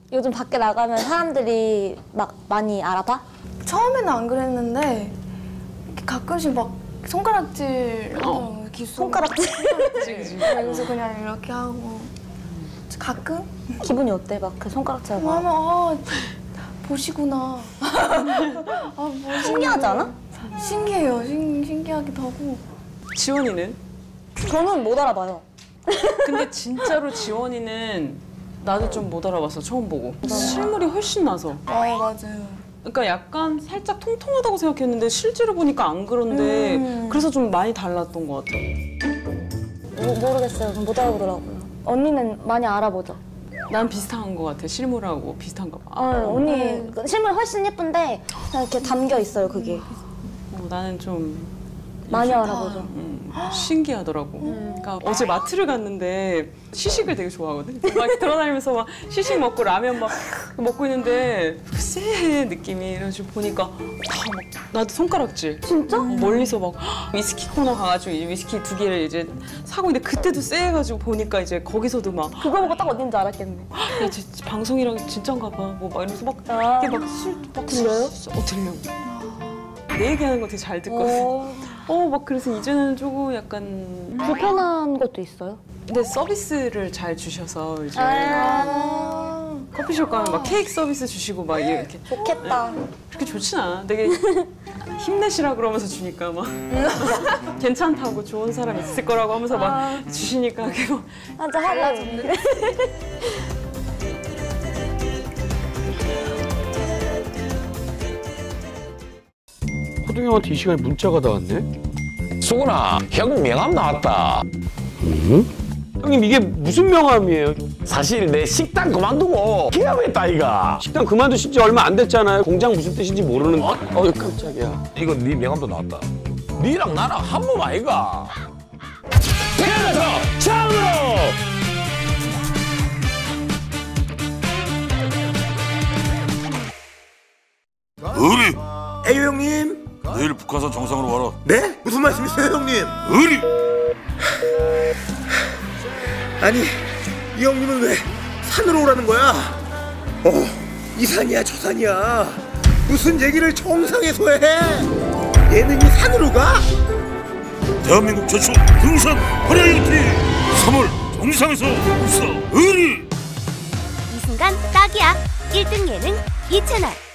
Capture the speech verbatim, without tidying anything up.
요즘 밖에 나가면 사람들이 막 많이 알아봐? 처음에는 안 그랬는데 가끔씩 막 손가락질 하더라고요. 기수. 손가락질? 손가락질. 그래서 그냥 이렇게 하고 가끔? 기분이 어때? 막 그 손가락질 하고 하면 아 보시구나. 아, 보시구나. 신기하지 않아? 신기해요. 신, 신기하기도 하고. 지원이는? 저는 못 알아봐요. 근데 진짜로 지원이는 나도 좀 못 알아봤어, 처음 보고. 실물이 훨씬 나서. 아 맞아요. 그러니까 약간 살짝 통통하다고 생각했는데 실제로 보니까 안 그런데 음. 그래서 좀 많이 달랐던 것 같아. 모, 모르겠어요. 못 알아보더라고요. 언니는 많이 알아보죠? 난 비슷한 것 같아, 실물하고 비슷한가 봐. 어, 언니 실물 훨씬 예쁜데 그냥 이렇게 담겨 있어요, 그게. 어, 나는 좀 많이 알아보죠. 음, 신기하더라고. 음. 그러니까 어제 마트를 갔는데 시식을 되게 좋아하거든. 막 돌아다니면서 막 시식 먹고 라면 막 먹고 있는데 쎄 느낌이 이래가지고 보니까 다 막 나도 손가락질. 진짜? 어, 멀리서 막 위스키 코너 가가지고 이제 위스키 두 개를 이제 사고 있는데 그때도 쎄해가지고 보니까 이제 거기서도 막 그거 보고 딱 어딘지 알았겠네. 야, 진 방송이랑 진짠가 봐. 뭐 막 이러면서 막 아. 이게 막술막 들려요? 어 들려. 내 얘기하는 거 되게 잘 듣거든. 어, 막 그래서 이제는 조금 약간 불편한 것도 있어요? 근데 서비스를 잘 주셔서 이제 아 커피숍 가면 막 케이크 서비스 주시고 막 이렇게 좋겠다. 그렇게 좋진 않아. 되게 힘내시라 그러면서 주니까 막 괜찮다고 좋은 사람 있을 거라고 하면서 막 주시니까 그거 한잔 하고. 호동 형한테 이 시간에 문자가 다 왔네? 수근아, 형 명함 나왔다. 응? 형님 이게 무슨 명함이에요? 사실 내 식당 그만두고 기합했다 이가. 식당 그만두신 지 얼마 안 됐잖아요. 공장 무슨 뜻인지 모르는데. 어, 어 깜짝이야. 이거 네 명함도 나왔다. 니랑 나랑 한 몸 아이가. 태어나서 처음으로. 의리! 에이 형님. 내일 북한산 정상으로 와라. 네? 무슨 말씀이세요 형님? 의리! 아니 이 형님은 왜 산으로 오라는 거야? 어, 이 산이야 저 산이야. 무슨 얘기를 정상에서 해? 예능이 산으로 가? 대한민국 최초 등산 버라이어티 삼월 정상에서 웃어 의리! 이 순간 딱이야. 일 등 예능 이 채널.